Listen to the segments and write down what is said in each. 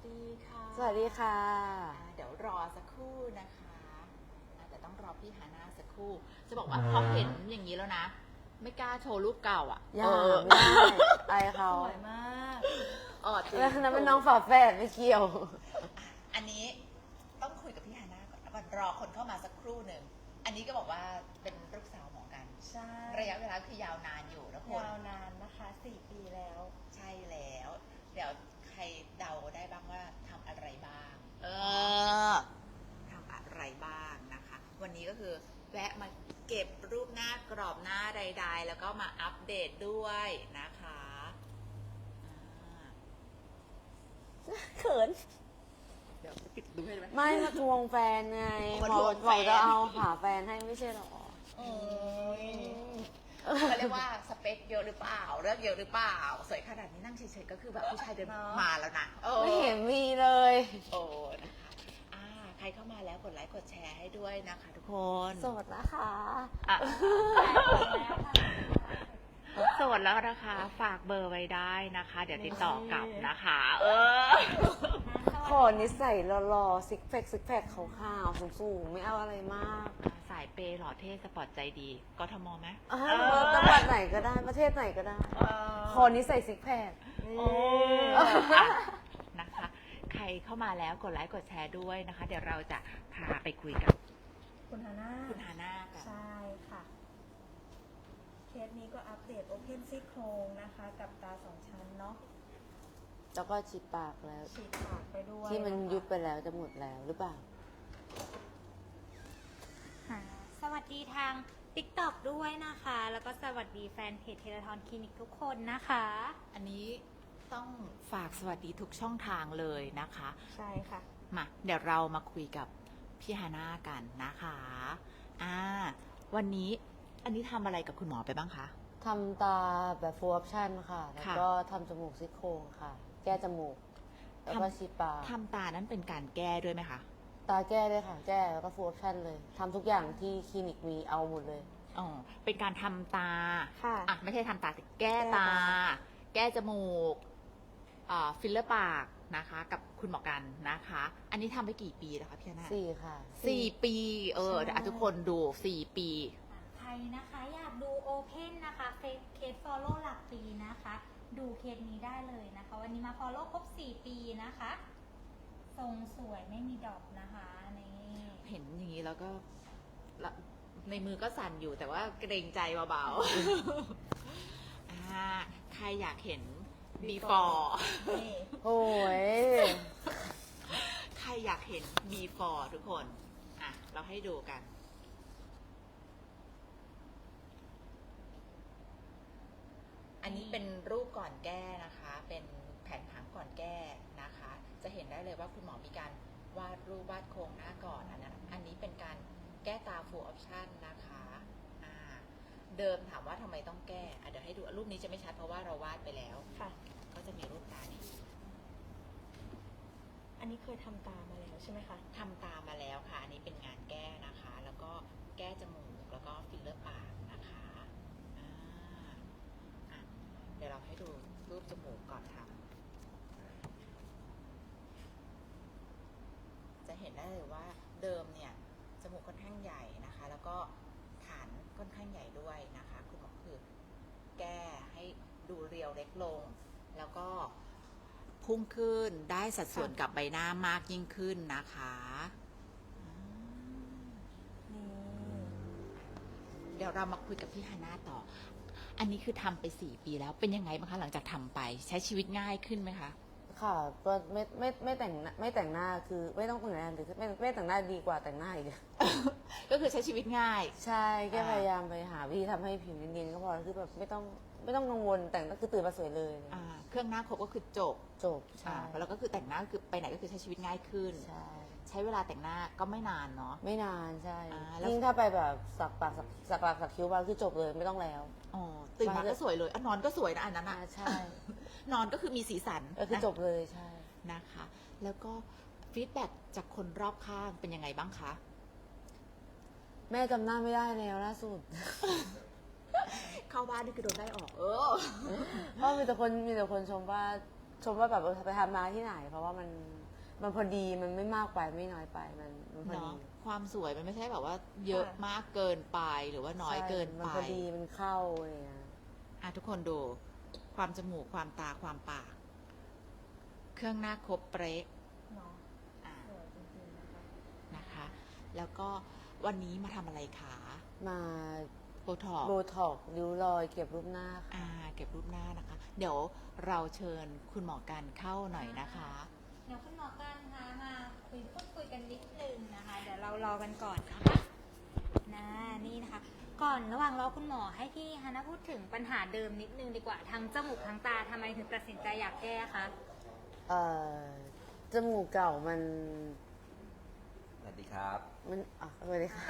ดีค่ะสวัสดีค่ะเดี๋ยวรอสักครู่นะคะแต่ต้องรอพี่ฮาน่าสักครู่ จะบอกว่าพอเห็นอย่างนี้แล้วนะ ไม่กล้าโชว์รูปเก่าอ่ะอย่าไม่ได้อายเขาสวยมากจริงแล้วนั้นเป็นน้องฝาแฝดไม่เกี่ยวอันนี้ต้องคุยกับพี่ฮาน่าก่อนรอคนเข้ามาสักครู่หนึ่ง อันนี้ก็บอกว่าเป็นลูกสาวหมอกันใช่ระยะเวลาคือยาวนานอยู่นะคนยาวนานนะคะ4 ปีแล้วใช่แล้ว เดี๋ยวใครเดาได้บ้างว่าทำอะไรบ้าง ทำอะไรบ้างนะคะ วันนี้ก็คือแวะมาเก็บรูปหน้ากรอบหน้าใดๆ แล้วก็มาอัปเดตด้วยนะคะเขินเดี๋ยวปิดดูให้ไหมไม่มาทวงแฟนไงมาบทอวกงแฟนจะเอาหาแฟนให้ไม่ใช่หรอเขาเรียกว่าสเปคเยอะหรือเปล่าเลือกเยอะหรือเปล่าสวยขนาดนี้นั่งเฉยๆก็คือแบบผู้ชายเดินมาแล้วนะไม่เห็นมีเลยโอ้นะคะใครเข้ามาแล้วกดไลค์กดแชร์ให้ด้วยนะคะทุกคนโสดนะคะโสดแล้วนะคะฝากเบอร์ไว้ได้นะคะ เดี๋ยวติดต่อกลับนะคะขอนิสัยหล่อๆซิกแพคขาวๆสูงๆไม่เอาอะไรมากสายเปย์หล่อเท่สปอร์ตใจดีกทมไหมจังหวัดไหนก็ได้ประเทศไหนก็ได้ขอนิสัยซิกแพคนะคะ ใครเข้ามาแล้วกดไลค์กดแชร์ด้วยนะคะ เดี๋ยวเราจะพาไปคุยกับคุณฮาน่าคุณฮาน่ากันใช่ค่ะ เคสนี้ก็อัปเดตโอเพนซี่โครงนะคะ กับตา2 ชั้นเนาะแล้วก็ฉีดปากแล้วฉีดปากไปด้วยที่มันยุบไปแล้วจะหมดแล้วหรือเปล่าสวัสดีทาง TikTok ด้วยนะคะ แล้วก็สวัสดีแฟนเพจเทเลทอนคลินิกทุกคนนะคะอันนี้ต้องฝากสวัสดีทุกช่องทางเลยนะคะใช่ค่ะมาเดี๋ยวเรามาคุยกับพี่ฮาน่ากันนะคะวันนี้อันนี้ทำอะไรกับคุณหมอไปบ้างคะทำตาแบบ full option ค่ะ แล้วก็ทำจมูกซี่โครงค่ะ แก้จมูก แล้วก็ฉีดปากทำตานั้นเป็นการแก้ด้วยไหมคะตาแก้ด้วยค่ะ แก้แล้วก็ full option เลย ทำทุกอย่างที่คลินิกมีเอาหมดเลยอ๋อ เป็นการทำตาค่ะไม่ใช่ทำตาแต่แก้ตา แก้จมูกฟิลเลอร์ปากนะคะ กับคุณหมอกันนะคะ อันนี้ทำไปกี่ปีแล้วคะพี่ฮาน่า 4 ค่ะ 4 ปีเดี๋ยวทุกคนดู4 ปีใครนะคะอยากดูโอเพนนะคะเคสฟอลโล่หลักปีนะคะ ดูเคสนี้ได้เลยนะคะ วันนี้มาฟอลโล่ครบ4 ปีนะคะ ทรงสวยไม่มีดอกนะคะนี่เห็นอย่างนี้แล้วก็ในมือก็สั่นอยู่แต่ว่าเกรงใจเบาๆ ใครอยากเห็น before นี่โอ้ยใครอยากเห็น before ทุกคนเราให้ดูกัน อันนี้เป็นรูปก่อนแก้นะคะ เป็นแผนผังก่อนแก้นะคะ จะเห็นได้เลยว่าคุณหมอมีการวาดรูปวาดโครงหน้าก่อนอันนี้เป็นการแก้ตา full option นะคะเดิมถามว่าทำไมต้องแก้เดี๋ยวให้ดูรูปนี้จะไม่ชัดเพราะว่าเราวาดไปแล้วค่ะก็จะมีรูปตานี้อันนี้เคยทำตามาแล้วใช่ไหมคะทำตามาแล้วค่ะ อันนี้เป็นงานแก้นะคะ แล้วก็แก้จมูกแล้วก็ฟิลเลอร์ปากนะคะเดี๋ยวเราให้ดูรูปจมูกก่อนทำจะเห็นได้เลยว่าเดิมเนี่ยจมูกค่อนข้างใหญ่นะคะ แล้วก็ฐานค่อนข้างใหญ่ด้วยนะคะคุณหมอคือแก้ให้ดูเรียวเล็กลง แล้วก็พุ่งขึ้นได้สัดส่วนกับใบหน้ามากยิ่งขึ้นนะคะนี่เดี๋ยวเรามาคุยกับพี่ฮาน่าต่อ อันนี้คือทำไป4 ปีแล้วเป็นยังไงบ้างคะหลังจากทำไปใช้ชีวิตง่ายขึ้นไหมคะค่ะก็ไม่แต่งหน้าคือไม่ต้องแต่งหน้าหรือไม่แต่งหน้าดีกว่าแต่งหน้าอีกก็คือใช้ชีวิตง่ายใช่แค่พยายามไปหาวิธีทำให้ผิวเนียนๆก็พอคือแบบไม่ต้องกังวลแต่งก็คือตื่นมาสวยเลยเครื่องหน้าครบก็คือจบจบใช่แล้วก็คือแต่งหน้าก็คือไปไหนก็คือใช้ชีวิตง่ายขึ้นใช่ใช้เวลาแต่งหน้าก็ไม่นานเนาะไม่นานใช่แล้วยิ่งถ้าไปแบบสักปากสักคิ้วมาคือจบเลยไม่ต้องแล้วตื่นมาก็สวยเลยนอนก็สวยนะอันนั้นใช่นอนก็คือมีสีสันก็คือจบเลยใช่นะคะ แล้วก็ฟีดแบ็กจากคนรอบข้างเป็นยังไงบ้างคะแม่จำหน้าไม่ได้แล้วล่าสุดเข้าบ้านนี่คือโดนได้ออกเพราะมีแต่คนชมว่าชมว่าแบบไปทำมาที่ไหน เพราะว่ามันพอดีมันไม่มากไปไม่น้อยไปมันพอดีเนาะความสวยมันไม่ใช่แบบว่าเยอะมากเกินไปหรือว่าน้อยเกินใช่มันไปพอดีมันเข้าอะไรอย่างเงี้ยทุกคนดูความจมูกความตาความปาก เครื่องหน้าครบเป๊ะเนาะอ่าสวยจริงๆนะคะนะคะ แล้วก็วันนี้มาทำอะไรคะมาโบท็อกซ์โบท็อกซ์ริ้วรอยเก็บรูปหน้าค่ะเก็บรูปหน้านะคะ เดี๋ยวเราเชิญคุณหมอกันเข้าหน่อยนะคะเดี๋ยวคุณหมอกันคะมาพูดคุยกันนิดนึงนะคะ เดี๋ยวเรารอกันก่อนนะคะนี่นะคะ ก่อนระหว่างรอคุณหมอให้พี่ฮานะพูดถึงปัญหาเดิมนิดนึงดีกว่าทั้งจมูกทั้งตาทำไมถึงตัดสินใจอยากแก้คะจมูกเก่ามันสวัสดีครับสวัสดีค่ะ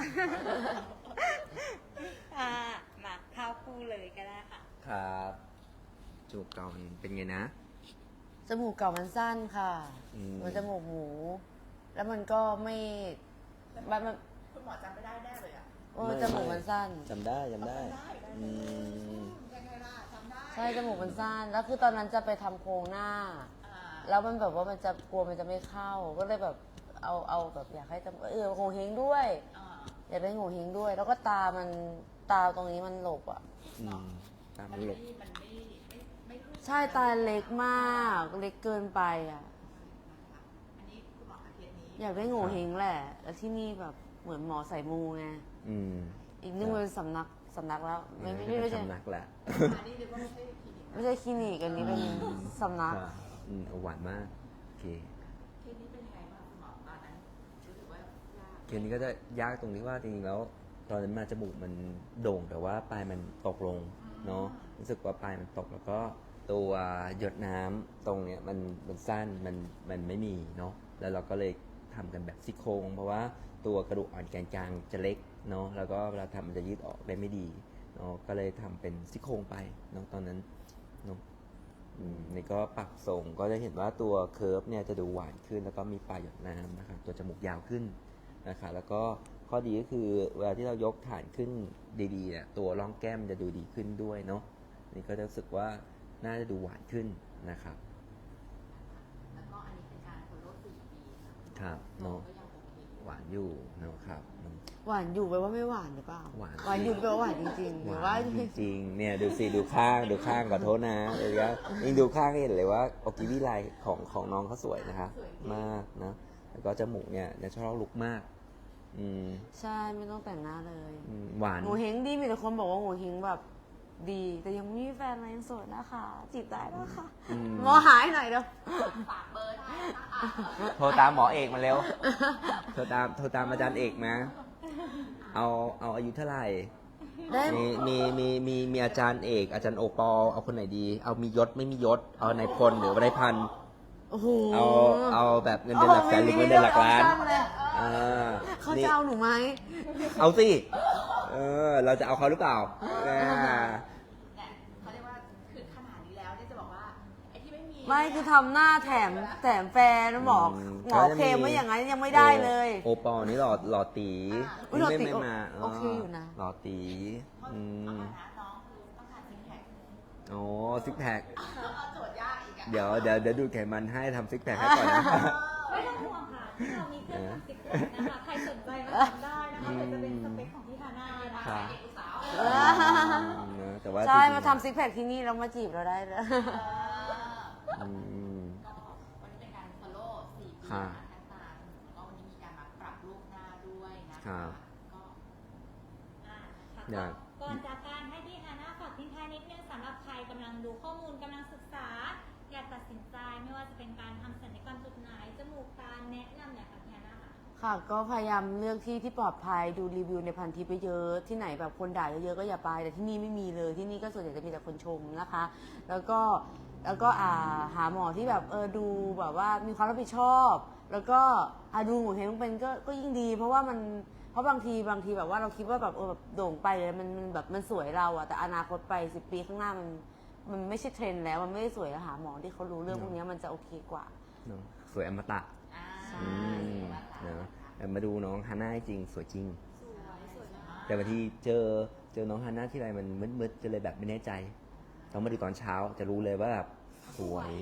มาเข้าคู่เลยก็ได้ค่ะครับจมูกเก่ามันเป็นไงนะจมูกเก่ามันสั้นค่ะอืมเหมือนจมูกหมู แล้วมันก็ไม่มันคุณหมอจำไม่ได้แน่เลยอ่ะจมูกมันสั้นจำได้อืมยังไงล่ะจำได้ใช่จมูกมันสั้น แล้วคือตอนนั้นจะไปทำโครงหน้า แล้วมันแบบว่ามันจะกลัวมันจะไม่เข้า ก็เลยแบบเอาแบบอยากให้จมูกโงเฮงด้วย อยากได้โงเฮงด้วย แล้วก็ตาตรงนี้มันหลบอ่ะอืมตามหลบใช่ตาเล็กมาก เล็กเกินไปอ่ะอันนี้คุณหมออาเทศนี้อยากได้โงเฮงแหละ แล้วที่นี่แบบเหมือนหมอใส่มูไงอืมอีกนึงมันเป็นสำนักแล้ว ไม่ใช่สำนักแหละอันนี้นึกว่าไม่ใช่คลินิกไม่ใช่คลินิกอันนี้เป็นสำนักครับเอาหวานมากโอเคเคสนี้เป็นยังไงบ้างคุณหมอตอนนั้นรู้สึกว่ายากเคสนี้ก็จะยากตรงที่ว่าจริงๆแล้ว ตอนนั้นมาจมูกมันโด่งแต่ว่าปลายมันตกลงเนาะรู้สึกว่าปลายมันตกแล้วก็ตัวหยดน้ำตรงเนี้ยมันสั้นมันไม่มีเนาะแล้วเราก็เลยทำกันแบบซี่โครงเพราะว่าตัวกระดูกอ่อนแกนกลางจะเล็กเนาะแล้วก็เวลาทำมันจะยืดออกได้ไม่ดีเนาะก็เลยทำเป็นซี่โครงไปเนาะตอนนั้นเนาะนี่ก็ปรับทรงก็จะเห็นว่าตัวเคิร์ฟเนี่ยจะดูหวานขึ้นแล้วก็มีปลายหยดน้ำนะคะตัวจมูกยาวขึ้นนะคะแล้วก็ข้อดีก็คือเวลาที่เรายกฐานขึ้นดีๆเนี่ยตัวร่องแก้มจะดูดีขึ้นด้วยเนาะนี่ก็จะรู้สึกว่าน่าจะดูหวานขึ้นนะครับแล้วก็อันนี้เป็นการโฟลโล่4 ปีครับเนาะก็ยังโอเคหวานอยู่เนาะครับเนาะหวานอยู่แปลว่าไม่หวานหรือเปล่าหวานอยู่แปลว่าหวานจริงๆหรือว่าจริงๆเนี่ยดูสิดูข้างขอโทษนะเลยก็ยิ่งดูข้างก็เห็นเลยว่าโอกิวิไลของน้องเขาสวยนะคะมากนะแล้วก็จมูกเนี่ยชอบลุกมากใช่ไม่ต้องแต่งหน้าเลยหวานโงเฮงดีมีแต่คนบอกว่าโงเฮงแบบดี แต่ยังไม่มีแฟนเลยยังโสดนะคะ จีบได้นะคะ หมอหายหน่อยเด้อฝากเบอร์ได้นะคะโทรตามหมอเอกมาเร็วโทรตามอาจารย์เอกมาเอาอายุเท่าไหร่ได้มีอาจารย์เอกอาจารย์โอปอเอาคนไหนดี เอามียศไม่มียศเอานายพลหรือว่านายพันโอ้โหเอาแบบเงินเดือนหลักแสนหรือเงินเดือนหลักล้านโอ้โหมีเรื่อง เขานี่จะเอาหนูไหมเอาสิเราจะเอาเขาหรือเปล่าเนี่ยเขาเรียกว่าคือขนาดนี้แล้วเนี่ยจะบอกว่าไอ้ที่ไม่มีไม่คือทำหน้าแถมแฟนหมออืมหมอเคลมว่าอย่างนั้นยังไม่ได้เลยโอปอนี่หล่อตีอุ๊ยหล่อตีไม่มาโอเคอยู่นะหล่อตีเพราะอืเอามมานะน้องคือต้องการซิกแพคโอ้ซิกแพคเอาโจทย์ยากอีกอ่ะเดี๋ยวดูดไขมันให้ทำซิกแพคให้ก่อนนะไม่ต้องห่วงค่ะที่เรามีเครื่องทำสิบแปดนะคะ ใครสนใจมาทำได้นะคะเดี๋ยวจะเป็นสเปคของพี่ฮาน่านะครัคะบเด็กอุตสาวแต่ว่าใช่จริงๆมาทำซิกแพคที่นี่แล้วมาจีบเราได้เลยอืมก็วันนี้เป็นการ follow 4 ปีค่ะนะคะตามแล้วก็วันนี้มีการมาปรับรูปหน้าด้วยนะครัคะบก็อยากก่อนจากการให้พี่ฮาน่าฝากทิ้งท้ายนิดนึงสำหรับใครกำลังดูข้อมูลกำลังศึกษา อยากตัดสินใจไม่ว่าจะเป็นการทำศัลยกรรมจุดไหนจมูกตาแนะนำหน่อยค่ะพี่ฮาน่าค่ะค่ะก็พยายามเลือกที่ปลอดภัยดูรีวิวในพันทิปไปเยอะที่ไหนแบบคนด่าเยอะๆก็อย่าไปแต่ที่นี่ไม่มีเลยที่นี่ก็ส่วนใหญ่จะมีแต่คนชมนะคะ แล้วก็หาหมอที่แบบดูแบบว่ามีความรับผิดชอบ แล้วก็ดูหมอเห็นเป็นก็ยิ่งดี เพราะบางทีแบบว่าเราคิดว่าแบบแบบโด่งไปเลยมันแบบมันสวยเราอะแต่อนาคตไป10 ปีข้างหน้ามันไม่ใช่เทรนด์แล้วมันไม่ได้สวยแล้วหาหมอที่เขารู้เรื่องพวกนี้มันจะโอเคกว่าเนอะสวยอมตะอ่าอืมเนอะแต่มาดูน้องฮาน่าจริงสวยจริงสวยมากแต่บางทีเจอน้องฮาน่าที่ไรมันมืดๆจะเลยแบบไม่แน่ใจต้องมาดูตอนเช้าจะรู้เลยว่าแบบสวย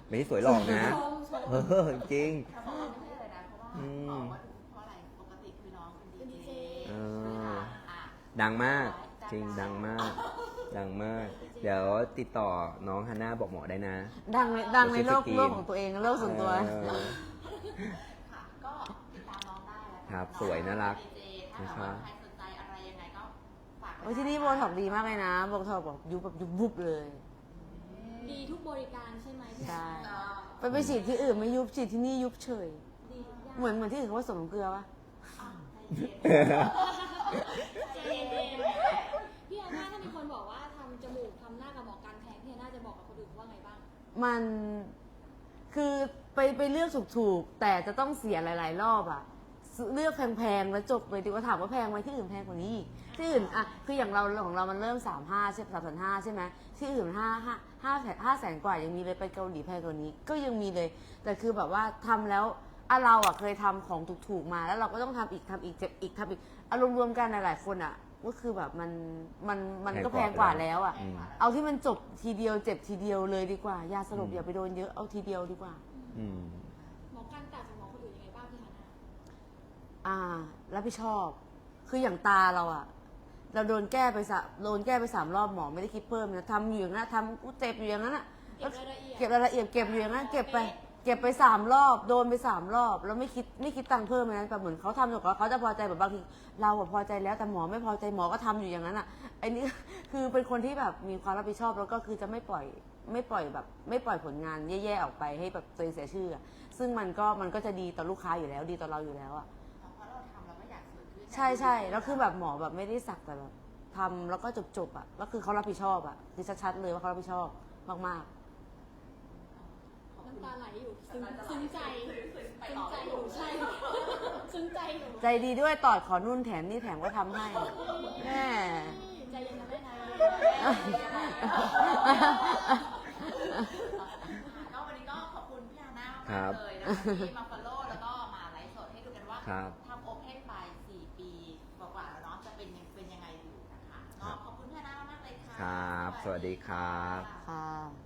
ไม่ได้สวยหรอกนะเออจริงแต่บอกว่าไม่ใช่เลยนะเพราะว่าอืมบอกว่าถูกเพราะอะไรปกติคือน้องเป็นดีเจเอออ่ะดังมากจริงดังมาก ดังมาก เดี๋ยวติดต่อน้องฮันน่าบอกหมอได้นะดังในโลกเดี๋ยวซื้อสกรีนของตัวเองโลกส่วนตัวเออค่ะก็ติดตามน้องได้แล้วกันครับสวยน่ารักดีเจถ้าแบบว่าใครสนใจอะไรยังไงก็ฝากไว้โอ้ยที่นี่โบท็อกซ์ดีมากเลยนะโบท็อกซ์แบบยุบแบบยุบบุบเลยดีทุกบริการใช่ไหมพี่ใช่ก็ไปฉีดที่อื่นไม่ยุบฉีดที่นี่ยุบเฉยดีทุกอย่างเหมือนที่อื่นเขาผสมเกลือปะใจเย็นพี่อาน่าถ้ามีคนบอกว่าทำจมูกทำหน้ากับหมอการแพงพี่อาน่าจะบอกกับคนอื่นว่าไงบ้างมันคือไปเลือกถูกๆแต่จะต้องเสียหลายๆรอบอะเลือกแพงๆแล้วจบเลยดีกว่าถามว่าแพงไหมที่อื่นแพงกว่านี้อีกที่อื่นอะคืออย่างเราของเรามันเริ่ม3,500ใช่3,500ใช่ไหมที่อื่น5 แสนกว่ายังมีเลยไปเกาหลีแพงกว่านี้ก็ยังมีเลย แต่คือแบบว่าทำแล้วเราอะเคยทำของถูกๆมาแล้วเราก็ต้องทำอีกเจ็บอีกทำอีกอารมณ์รวมกันหลายๆคนอะก็คือแบบมันก็แพงกว่าแล้วอะอืมเอาที่มันจบทีเดียวเจ็บทีเดียวเลยดีกว่ายาสลบอย่าไปโดนเยอะเอาทีเดียวดีกว่าอืมหมอการต่างจากหมอคนอื่นยังไงบ้างพี่ฮาน่ารับผิดชอบ คืออย่างตาเราอะเราโดนแก้ไป3 รอบหมอไม่ได้คิดเพิ่มนะทำอยู่อย่างนั้นทำกูเจ็บอยู่อย่างนั้นอะเก็บรายละเอียดเก็บรายละเอียดเก็บอยู่อย่างนั้นเก็บไป3 รอบโดนไป3 รอบแล้วไม่คิดตังค์เพิ่มเลยนะแต่เหมือนเขาทำจนกว่าเขาจะพอใจแบบบางทีเราอะพอใจแล้วแต่หมอไม่พอใจหมอก็ทำอยู่อย่างนั้นอะไอ้นี่ คือเป็นคนที่แบบมีความรับผิดชอบแล้วก็คือจะไม่ปล่อยผลงานแย่ๆออกไปให้แบบตัวเองเสียชื่ออะซึ่งมันก็จะดีต่อลูกค้าอยู่แล้วดีต่อเราอยู่แล้วอะเพราะเราทำเราก็อยากสวยขึ้นใช่แล้วคือแบบหมอแบบไม่ได้สักแต่แบบทำแล้วก็จบอะแล้วคือเขารับผิดชอบอะคือชัดๆเลยว่าเขารับผิดชอบมากน้ำตาไหลอยู่ซึ้งใจอยู่ใช่ ซึ้งใจอยู่ๆ ใจดีด้วยตอดขอนุ่นแถมนี่แถมก็ทำให้แม่ใจเย็นนะแม่นะก็วันนี้ก็ขอบคุณพี่ฮาน่าครัมากบเลยนะคะที่มา follow แล้วก็มาไลฟ์สดให้ดูกันว่าครับทำโอเพนไป4 ปีกว่าๆแล้วเนาะจะเป็นยังไงอยู่นะคะก็ขอบคุณพี่ฮาน่ามากๆเลยค่ะครับ สวัสดีครับค่ะ